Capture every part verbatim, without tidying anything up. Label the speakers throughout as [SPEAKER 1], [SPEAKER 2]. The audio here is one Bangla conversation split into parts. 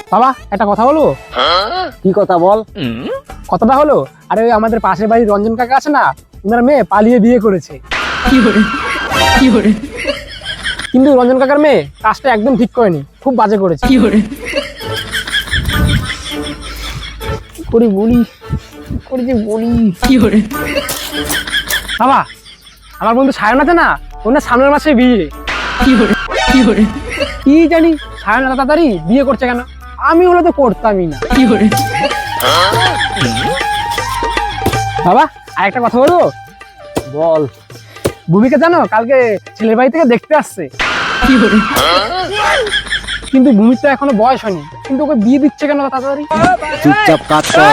[SPEAKER 1] বাবা একটা কথা বলবো।
[SPEAKER 2] কি কথা বল।
[SPEAKER 1] কথাটা হলো, আরে ওই আমাদের পাশের বাড়ির রঞ্জন কাকা আছে না, ওনার মেয়ে পালিয়ে বিয়ে করেছে।
[SPEAKER 3] কি করে কি করে
[SPEAKER 1] কিন্তু রঞ্জন কাকার মেয়ে কাজটা একদম ঠিক করেনি, খুব বাজে করেছে।
[SPEAKER 3] কি করে
[SPEAKER 1] কি করে বলি কি করে যে বলি
[SPEAKER 3] কি করে
[SPEAKER 1] বাবা, আমার বন্ধু সায়ন আছে না, ওনার সামনের মাসে বিয়ে।
[SPEAKER 3] কি করে কি করে
[SPEAKER 1] কি জানি সায়ন এত তাড়াতাড়ি বিয়ে করছে কেন, আমি হলে তো করতামই না।
[SPEAKER 3] কি করে
[SPEAKER 1] বাবা আরেকটা কথা বলবো।
[SPEAKER 2] বল।
[SPEAKER 1] ভূমিকা জানো কালকে ছেলের বাড়ি থেকে দেখতে আসছে,
[SPEAKER 3] কি করে
[SPEAKER 1] কিন্তু ভূমির তো এখনো বয়স হয়নি, কিন্তু ওকে বিয়ে দিচ্ছে কেন তাড়াতাড়ি?
[SPEAKER 2] চুপচাপ কাজ কর।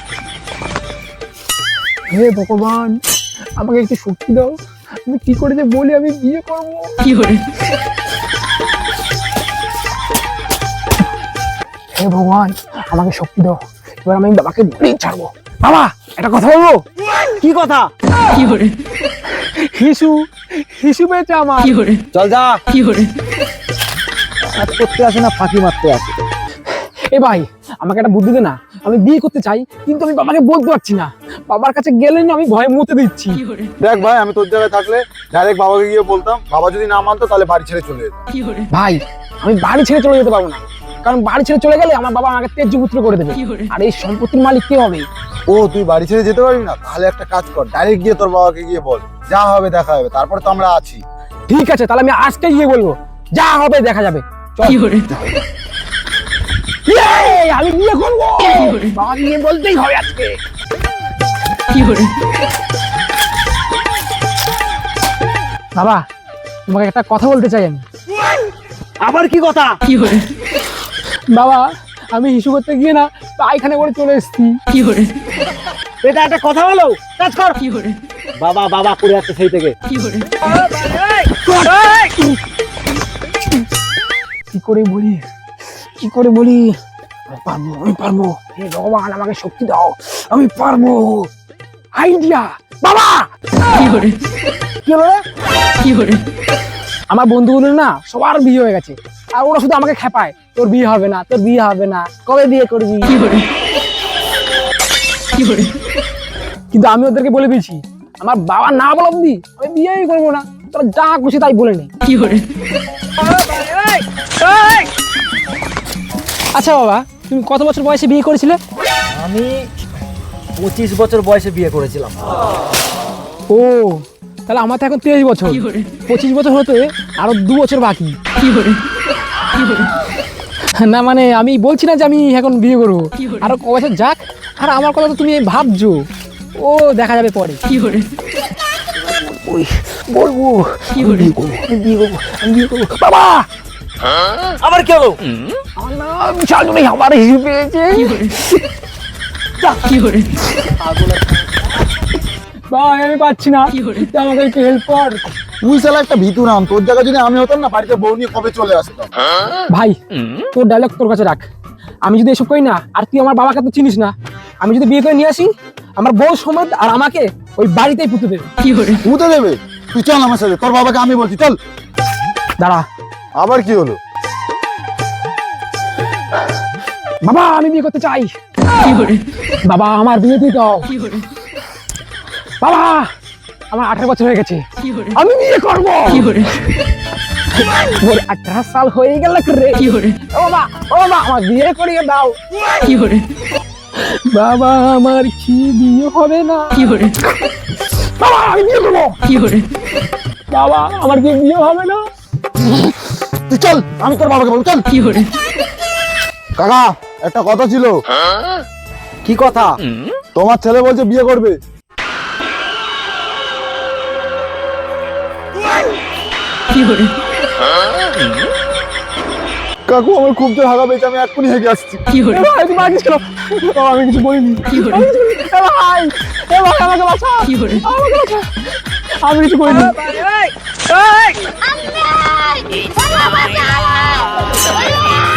[SPEAKER 1] হে ভগবান, আমাকে একটু শক্তি দাও, আমি কি করে যে বলি আমি বিয়ে করবো।
[SPEAKER 3] কি করে
[SPEAKER 1] হে ভগবান, আমাকে শক্তি দাও, এবার আমি বাবাকে বলেই ছাড়বো। বাবা একটা কথা বলবো।
[SPEAKER 2] কি কথা?
[SPEAKER 3] কি করে
[SPEAKER 1] হিসু হিসু পেয়েছে আমার।
[SPEAKER 3] কি করে
[SPEAKER 2] চল যা।
[SPEAKER 3] কি করে
[SPEAKER 2] কাজ করতে আসে না, ফাঁকি মারতে আসে।
[SPEAKER 1] এ ভাই আমাকে একটা বুদ্ধি দে না, আমি বিয়ে করতে চাই কিন্তু আমি বাবাকে বলতে পারছি না, বাবার কাছে গেলে না আমি ভয়ে মতে দিচ্ছি।
[SPEAKER 3] কি করে
[SPEAKER 4] দেখ ভাই, আমি তোর জায়গায় থাকলে ডাইরেক্ট বাবাকে গিয়ে বলতাম, বাবা যদি না মানতো তাহলে বাড়ি ছেড়ে চলে যেতাম।
[SPEAKER 3] কি করে
[SPEAKER 1] ভাই আমি বাড়ি ছেড়ে চলে যেতে পারবো না, কারণ বাড়ি ছেড়ে চলে গেলে আমার বাবা আমাকে ত্যায্য পুত্র করে দেবে,
[SPEAKER 3] কি করে
[SPEAKER 1] আর এই সম্পত্তির মালিক কে হবে?
[SPEAKER 4] ও তুই বাড়ি ছেড়ে যেতে পারবি না? তাহলে একটা কাজ কর, ডাইরেক্ট গিয়ে তোর বাবাকে গিয়ে বল, যা হবে দেখা হবে, তারপরে তো আমরা আছি।
[SPEAKER 1] ঠিক আছে তাহলে আমি আজকে গিয়ে বলবো, যা হবে দেখা যাবে। চল।
[SPEAKER 3] কি করে
[SPEAKER 1] ইয়ে, আমি বিয়ে করবো,
[SPEAKER 3] কি করে?
[SPEAKER 1] বাবা গিয়ে বলতেই হবে আজকে।
[SPEAKER 3] কি করে
[SPEAKER 1] বাবা তোমাকে একটা কথা বলতে চাই আমি।
[SPEAKER 2] আবার কি কথা?
[SPEAKER 3] কি করে
[SPEAKER 1] বাবা আমি হিসু করতে গিয়ে না পায়খানা করে চলে এসেছি।
[SPEAKER 3] কি করে
[SPEAKER 2] এটা একটা কথা হলো? কাজ কর।
[SPEAKER 3] কি করে
[SPEAKER 2] বাবা বাবা করে যাচ্ছে সেই থেকে।
[SPEAKER 3] কি করে
[SPEAKER 1] কি করে বলি কি করে বলি আমি পারবো আমি পারবো হে ভগবান আমাকে শক্তি দাও, আমি পারবো। আইডিয়া বাবা।
[SPEAKER 3] কি করে
[SPEAKER 1] কি হলো রে?
[SPEAKER 3] কি করে
[SPEAKER 1] আমার বন্ধুগুলো না সবার বিয়ে হয়ে গেছে, আর ওরা শুধু আমাকে খেপায়, তোর বিয়ে হবে না তোর বিয়ে হবে না, কবে বিয়ে করবি?
[SPEAKER 3] কি করে কি করে
[SPEAKER 1] কিন্তু আমি ওদেরকে বলে দিয়েছি, আমার বাবা না বল অব্দি আমি বিয়েই করবো না, তোরা যা খুশি তাই বলে নে।
[SPEAKER 3] কি করে
[SPEAKER 1] আচ্ছা বাবা তুমি কত বছর বয়সে বিয়ে করেছিলে?
[SPEAKER 2] আমি পঁচিশ বছর বয়সে বিয়ে করেছিলাম।
[SPEAKER 1] ও তাহলে আমার তো এখন তেইশ বছর,
[SPEAKER 3] কি করে
[SPEAKER 1] পঁচিশ বছর হতে আরো দু বছর বাকি।
[SPEAKER 3] কি করে কি করে
[SPEAKER 1] না মানে আমি বলছি না যে আমি এখন বিয়ে করবো,
[SPEAKER 3] কি করে?
[SPEAKER 1] আরো ক বছর যাক, আর আমার কথা তো তুমি ভাবছো, ও দেখা যাবে পরে।
[SPEAKER 3] কি করে
[SPEAKER 1] ওই বলবো
[SPEAKER 3] কি করে
[SPEAKER 1] আমি বিয়ে করবো আমি বিয়ে করবো। বাবা
[SPEAKER 2] আবার কি হলো?
[SPEAKER 1] আমার না বিশাল জন্য আমার হিসু পেয়েছে।
[SPEAKER 3] কি করে কি করে
[SPEAKER 1] ভাই আমি পাচ্ছি না,
[SPEAKER 3] কি করে?
[SPEAKER 1] তুই আমাকে একটু হেল্প কর।
[SPEAKER 4] তুই শালা একটা ভীতু নাম, তোর জায়গায় যদি আমি হতাম না, বাড়িতে বউ নিয়ে কবে চলে আসতাম।
[SPEAKER 1] ভাই তোর ডায়লগ তোর কাছে রাখ, আমি যদি এসব করি না, আর তুই আমার বাবাকে তো চিনিস না, আমি যদি বিয়ে করে নিয়ে আসি আমার বউ সমেত আর আমাকে ওই বাড়িতেই পুঁতে দেবে।
[SPEAKER 3] কি করে
[SPEAKER 4] পুঁতে দেবে? তুই চল আমার সাথে, তোর বাবাকে আমি বলছি, চল।
[SPEAKER 1] দাঁড়া
[SPEAKER 4] আবার কি হলো?
[SPEAKER 1] বাবা আমি বিয়ে করতে চাই,
[SPEAKER 3] কি করে
[SPEAKER 1] বাবা আমার বিয়ে দিয়ে দাও,
[SPEAKER 3] কি করে
[SPEAKER 1] বাবা আমার আঠারো বছর হয়ে গেছে,
[SPEAKER 3] কি করে
[SPEAKER 1] আমি বিয়ে করবো।
[SPEAKER 3] কি করে
[SPEAKER 1] ওর আঠারো সাল হয়ে গেল রে।
[SPEAKER 3] কি করে
[SPEAKER 1] ও বাবা ও বাবা আমার বিয়ে করিয়ে দাও।
[SPEAKER 3] কি করে
[SPEAKER 1] বাবা আমার কি বিয়ে হবে না?
[SPEAKER 3] কি করে
[SPEAKER 1] বাবা আমি বিয়ে করবো,
[SPEAKER 3] কি করে
[SPEAKER 1] বাবা আমার কি বিয়ে হবে না?
[SPEAKER 4] তুই চল, আমি তোর বাবাকে বলবো, চল।
[SPEAKER 3] কি করে
[SPEAKER 4] কাকা একটা কথা ছিল।
[SPEAKER 2] কি কথা?
[SPEAKER 4] তোমার ছেলে বলছে বিয়ে করবে।
[SPEAKER 3] কি করে
[SPEAKER 4] কাকু আমার খুব জোর হাগা পেয়েছে, আমি এক্ষুনি হেগে আসছি।
[SPEAKER 3] কি করে
[SPEAKER 1] এ ভাই, তুমি আগে ছিল। বাবা, আমি কিছু বলিনি।
[SPEAKER 3] কি করে?
[SPEAKER 1] আমি কিছু বলিনি। এ ভাই, এ ভাই, আমাকে বাঁচা।
[SPEAKER 3] কি করে?
[SPEAKER 1] আমাকে বাঁচা। আমি কিছু করিনি।
[SPEAKER 5] আম্মা! বাবা বাঁচাও!